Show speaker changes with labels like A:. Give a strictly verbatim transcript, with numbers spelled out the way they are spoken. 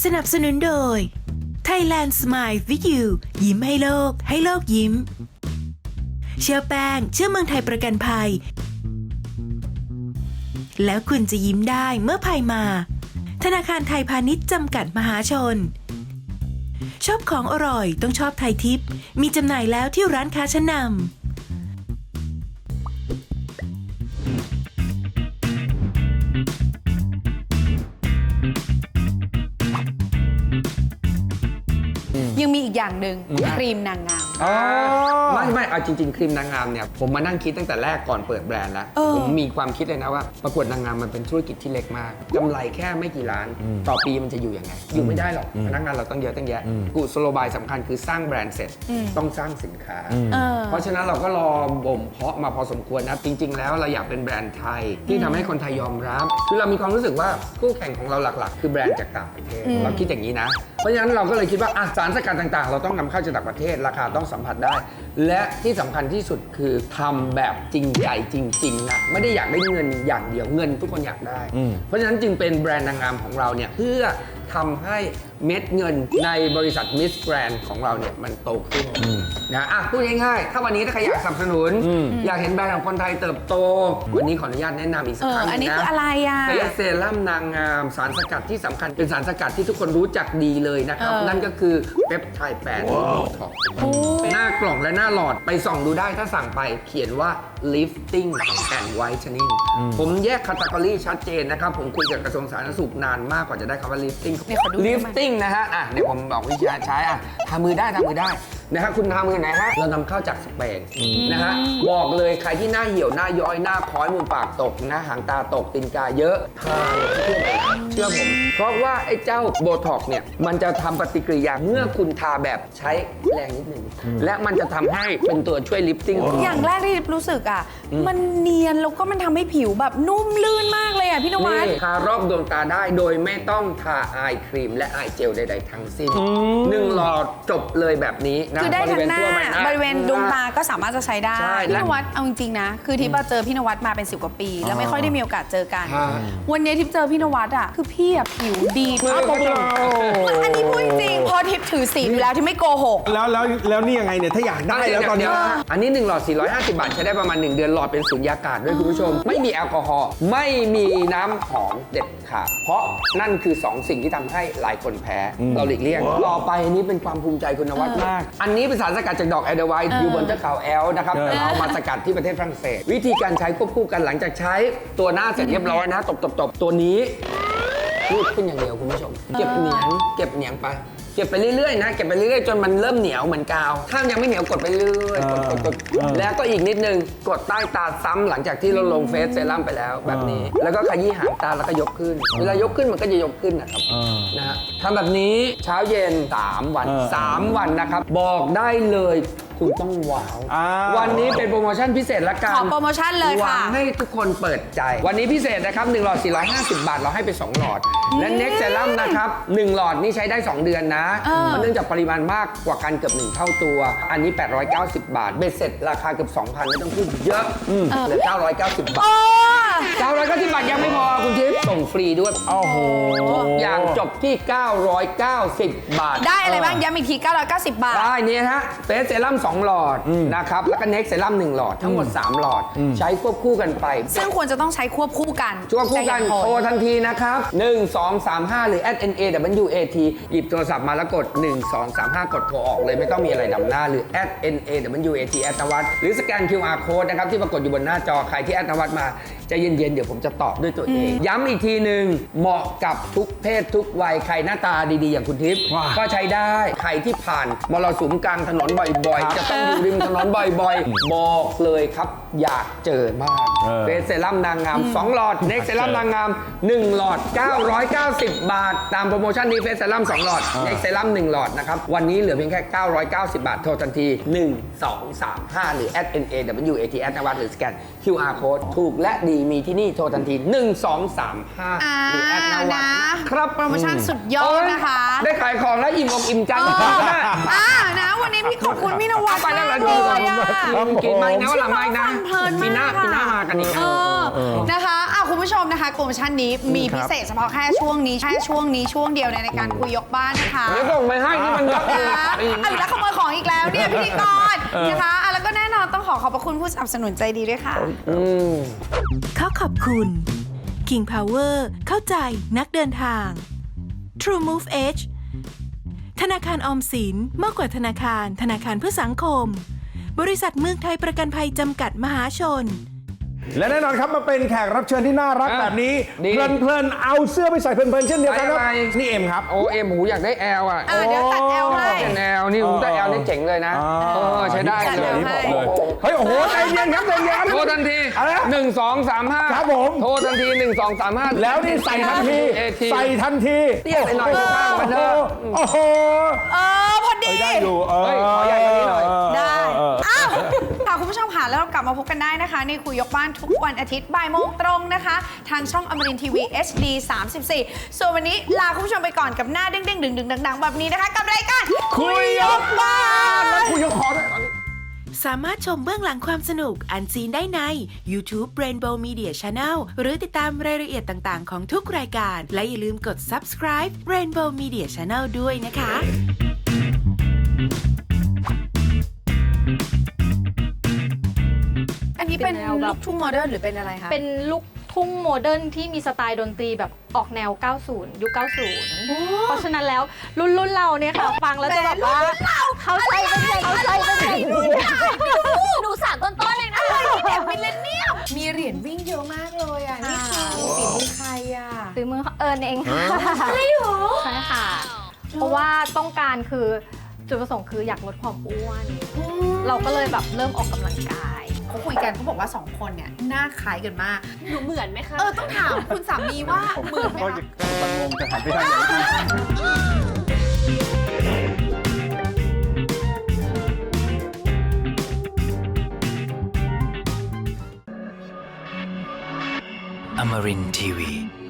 A: สนับสนุนโดย Thailand Smile with you ยิ้มให้โลกให้โลกยิ้มเชื่อแป้งเชื่อเมืองไทยประกันภัยแล้วคุณจะยิ้มได้เมื่อภัยมาธนาคารไทยพาณิชย์จำกัดมหาชนชอบของอร่อยต้องชอบไทยทิปมีจำหน่ายแล้วที่ร้านค้าชั้นนำ
B: ยังมีอีกอย่างหนึ่งครีมนางงาม
C: ไม่ไม่เอาจริงๆครีมนางงามเนี่ยผมมานั่งคิดตั้งแต่แรกก่อนเปิดแบรนด์แล้วผมมีความคิดเลยนะว่าประกวดนางงามมันเป็นธุรกิจที่เล็กมากกำไรแค่ไม่กี่ล้านต่อปีมันจะอยู่ยังไงอยู่ไม่ได้หรอกพนักงานเราต้องเยอะตั้งแยะกุศโลบายสำคัญคือสร้างแบรนด์เสร็จต้องสร้างสินค้าเพราะฉะนั้นเราก็รอบ่มเพาะมาพอสมควรนะจริงๆแล้วเราอยากเป็นแบรนด์ไทยที่ทำให้คนไทยยอมรับคือเรามีความรู้สึกว่าคู่แข่งของเราหลักๆคือแบรนด์จากต่างประเทศเราคิดอย่างนี้นะเพราะฉะนั้นเราก็เลยคิดว่าสารสกัดต่างๆเราต้องนำเข้าจากต่างประเทศราคาต้องสัมผัสได้และที่สำคัญที่สุดคือทำแบบจริงใจจริงๆนะไม่ได้อยากได้เงินอย่างเดียวเงินทุกคนอยากได้เพราะฉะนั้นจึงเป็นแบรนด์นางงามของเราเนี่ยเพื่อทำให้เม็ดเงินในบริษัท Miss Grand ของเราเนี่ยมันโตขึ้นนะอ่ะพูดง่ายๆถ้าวันนี้ถ้าใครอยากสนับสนุนอยากเห็นแบรนด์ของคนไทยเติบโตวันนี้ขออนุญาตแนะนำอีกสักครั้งนะอันนี้
B: คืออะไรอ่ะ
C: เฟสเซรั่มนางงามสารสกัดที่สำคัญเป็นสารสกัดที่ทุกคนรู้จักดีเลยนะครับนั่นก็คือเปปไทด์แปดโบท็อกซ์หน้ากล่องและหน้าหลอดไปส่องดูได้ถ้าสั่งไปเขียนว่า lifting and whitening ผมแยก category ชัดเจนนะครับผมคุยกับกระทรวงสาธารณสุขนานมากกว่าจะได้คำว่า lifting lifting นะฮะอ่ะเดี๋ยวผมบอกวิธีการใช้อ่ะทำมือได้ทำมือได้นะฮะคุณทำมือไหนฮะเรานำเข้าจากสเปนนะฮะบอกเลยใครที่หน้าเหี่ยวหน้าย้อยหน้าค้อยมุมปากตกนะหางตาตกตีนกาเยอะทาเลยเชื่อผมเพราะว่าไอ้เจ้าโบท็อกซ์เนี่ยมันจะทำปฏิกิริยาเมื่อคุณทาแบบใช้แรงนิดนึงและมันจะทำให้เป็นตัวช่วยลิฟติ้ง
B: อย่างแรกที่รู้สึกอ่ะมันเนียนแล้วก็มันทำให้ผิวแบบนุ่มลื่นมากเลยอ่ะพี่นวัด
C: ทารอบดวงตาได้โดยไม่ต้องทาอายครีมและอายเจลใดๆทั้งสิ้นหนึ่งหลอดจบเลยแบบนี้นะ
B: คือได้ทั้งหน้าบริเวณดวงตาก็สามารถจะใช้ได้พี่นวัดเอาจริงๆนะคือทิพย์เจอพี่นวัดมาเป็นสิบกว่าปีแล้วไม่ค่อยได้มีโอกาสเจอกันวันนี้ทิพย์เจอพี่นวัดอ่ะคือพี่อะผิวดีมากอันนี้พูดจริงพอทิพย์ถือศีลอยู่แล้วที่ไม่โกหก
D: แล้วแล้วแล้วนี่ยังไงเนี่ยถ้าอยากได้แล้วตอนนี้
C: อันนี้หนึ่งหลอดสี่ร้อยห้าสิบบาทใช้ได้ประมาณหนึ่งเดือนหลอดเป็นสุญญากาศด้วยคุณผู้ชมไม่มีแอลกอฮอล์ไม่มีน้ำหอมเด็ดขาดเพราะนั่นคือสองสิ่งที่ทำให้หลายคนแพ้เราหลีกเลี่ยงต่อไปอันนี้เป็นความภูมิใจคุณนวัดมากอันนี้เป็นสารสกัดจากดอกแอเดอร์ไวท์อยู่บนเทือกเขาแอลนะครับแต่เอามาสกัดที่ประเทศฝรั่งเศสวิธีการใช้ควบคู่กันหลังจากใช้ตัวหน้าเสร็จเรียบร้อยนะตบๆๆตัวนี้รูดขึ้นอย่างเดียวคุณผู้ชมเก็บเหนียงเก็บเหนียงไปเก็บไปเรื่อยๆนะเก็บไปเรื่อยๆจนมันเริ่มเหนียวเหมือนกาวถ้ายังไม่เหนียวกดไปเรื่อยๆกดกดกดแล้วก็อีกนิดนึงกดใต้ตาซ้ำหลังจากที่เราลงเฟสเซรั่มไปแล้วแบบนี้แล้วก็ขยี้หางตาแล้วก็ยกขึ้นเวลายกขึ้นมันก็จะยกขึ้นนะครับนะฮะทำแบบนี้เช้าเย็นสามวันสามวันนะครับบอกได้เลยคุณต้องว้าววันนี้เป็นโปรโมชั่นพิเศษละกัน
B: ขอโปรโมชั่นเลยค่ะ
C: หวังให้ทุกคนเปิดใจวันนี้พิเศษนะครับหนึ่งหลอดสี่ร้อยห้าสิบบาทเราให้ไปสองหลอดและ Next Serum นะครับหนึ่งหลอดนี่ใช้ได้สองเดือนนะมันเนื่องจากปริมาณมากกว่ากันเกือบหนึ่งเท่าตัวอันนี้แปดร้อยเก้าสิบบาทเบ็ดเสร็จราคาเกือบ สองพัน ไม่ต้องพูดเยอะเหลือเก้าร้อยเก้าสิบบาทเก้าร้อยเก้าสิบบาทยังไม่พอคุณทิพย์ส่งฟรีด้วยโอ้โหทุกอย่างจบที่เก้าร้อยเก้าสิบบาท
B: ได้อะไรบ้างย้ำอีกทีเก้าร้อยเก้าสิบบาท
C: ได้นี่ฮะเฟสเซรั่มสองหลอดนะครับแล้วก็เน็กเซรั่มหนึ่งหลอดทั้งหมดสามหลอดใช้ควบคู่กันไป
B: ซึ่งควรจะต้องใช้ควบคู่กัน
C: ควบคู่กันโทรทันทีนะครับหนึ่ง สอง สาม ห้าหรือ แอท เอ็น เอ ดับเบิลยู เอ ที หยิบโทรศัพท์มาแล้วกดหนึ่ง สอง สาม ห้ากดโทรออกเลยไม่ต้องมีอะไรนำหน้าหรือ แอท เอ็น เอ ดับเบิลยู เอ ที แอดนวัดหรือสแกน คิว อาร์ Code นะครับที่ปรากฏอยู่บนหน้าจอใครที่แอดนวัดมาใจเย็นๆเดี๋ยวผมจะตอบด้วยตัวเองย้ำอีกทีหนึ่งเหมาะกับทุกเพศทุกวัยใครหน้าตาดีๆอย่างคุณทิพย์ก็ใช้ได้ใครที่ผ่านมรสุมกลางถนนบ่อยๆจะต้องอยู่ริมถนนบ่อยๆบอกเลยครับอยากเจอมากเฟสเซรั่มนางงามสองหลอดเน็กเซรั่มนางงามหนึ่งหลอดเก้าร้อยเก้าสิบบาทตามโปรโมชั่นนี้เฟสเซรั่มสองหลอดเน็กเซรั่มหนึ่งหลอดนะครับวันนี้เหลือเพียงแค่เก้าร้อยเก้าสิบบาทโทรทันทีหนึ่ง สอง สาม ห้าหรือ แอท เอ็น เอ ดับเบิลยู เอ ที แอดนวัดหรือสแกน คิว อาร์ Code ถูกและดีมีที่นี่โทรทันทีหนึ่ง สอง สาม ห้าหรือแอดนวัด
B: ครับโปรโมชั่นสุดยอดนะคะ
C: ได้ขายของแล้วอิ่มอกอิ่มใจนะ
B: อ่านะวันนี้พี่ขอบคุณพี่นวัด
C: ไปแล้วเลยกินไม่นะวันหลังไม่นะปีหน้าปีหน้ามากันอีก
B: นะคะอ่ะคุณผู้ผู้ชมนะคะโปรโมชั่นนี้มีพิเศษเฉพาะแค่ช่วงนี้แค่ช่วงนี้ช่วงเดียวในการคุยยกบ้านนะคะ
C: เดี๋ยวส่งไปให้ที่มันเยอะ
B: นะ
C: อีก
B: เอาอีกแล้วขโมยของอีกแล้วเนี่ยพิธีกรนะคะอ่ะแล้วก็แน่นอนต้องขอขอบพระคุณผู้สนับสนุนใจดีด้วยค่ะ
C: อืม
A: ขอขอบคุณ King Power เข้าใจนักเดินทาง True Move Edge ธนาคารออมสินมากกว่าธนาคารธนาคารเพื่อสังคม บริษัทเมืองไทยประกันภัยจำกัดมหาชน
D: และแน่นอนครับมาเป็นแขกรับเชิญที่น่ารัก
C: อ่ะ
D: แบบนี้
C: ดี
D: เพลินๆเอาเสื้อไปใส่เพลินๆเช่นเดียวกันครับ
C: ไปอะไร
D: นี่เอ็มครับ
C: โอเอ็มหูอยากได้แอลอ่ะ
B: อ่ะเดี๋ยวตัดแอลให้
C: เป็นแอลนี่หูแต่แอลนี่เจ๋งเลยนะ
D: อ๋อ
C: เออใช้ได้
B: จัด
C: เล
B: แอล
C: ย
B: ให้
D: เลยเฮ้ยโอ้โหใจเย็นครับใจเย็น
C: โทรทันที
D: อะไรนะ
C: หนึ่งสองสามห้า
D: ครับผม
C: โทรทันทีหนึ่งสองสามห้า
D: แล้วนี่ใส่ทันที
C: เอที
D: ใส่ทันที
C: เตี้ยไปหน่อยข้างๆมันเถอะ
D: โอ้โห
B: เออพอดี
D: ได้อยู่เออ
C: เฮ้ยขอใหญ่กว่านี้หน่อย
B: ได้
D: เออ
B: อ้าวค่ะคุณผู้ชมค่ะแล้วเรากลับมาพบกันได้นะคะ ในคุยยกบ้านทุกวันอาทิตย์บ่ายโมงตรงนะคะ ทางช่องอมรินทีวี เอช ดี สามสิบสี่ ส่วนวันนี้ลาคุณผู้ชมไปก่อนกับหน้าเด้งๆ ดึงๆ ดังๆ แบบนี้นะคะ กับรายการ
D: คุยยกบ้านแล้วคุยยกคอด้วย
A: สามารถชมเบื้องหลังความสนุกอันซีนได้ใน YouTube Rainbow Media Channel หรือติดตามรายละเอียดต่างๆของทุกรายการ และอย่าลืมกด subscribe Rainbow Media Channel ด้วยนะคะ
B: อันนี้เป็น
E: เป็นแนวแบบ
B: ลูกทุ่งโมเดิร์นหรือเป็นอะไรคะ
E: เป็นลูกทุ่งโมเดิร์นที่มีสไตล์ดนตรีแบบออกแนว เก้าสิบ ยุค เก้าสิบ เพราะฉะนั้นแล้วรุ่นรุ่นเราเนี่ยค่ะ ฟังแล้วจะแบบว่าเขาใจเป็นไงเขาใจเป็นไง
F: หนูสามต้นๆเลยนะ
B: เด็กมิลเลนเนียมมีเหรียญวิ่งเยอะมากเลยอ่ะ นี่คือฝีมือใครอ่ะ
E: ซื้อมือเอิญเองค่ะใช่หรอใช่ค่ะ เพราะว่าต้องการคือจุดประสงค์คืออยากลดความอ้วน เราก็เลยแบบเริ่มออกกำลังกาย
B: เขาคุยกันเขาบอกว่าสองคนเนี่ยหน้าคล้ายกันมาก
F: หนูเหมือนไหมคะ
B: เออ ต้องถามคุณสามีว่าเหมือนไหมคะ
D: มันงงจะหันไปทางไหนดี
G: Amarin Tiwi.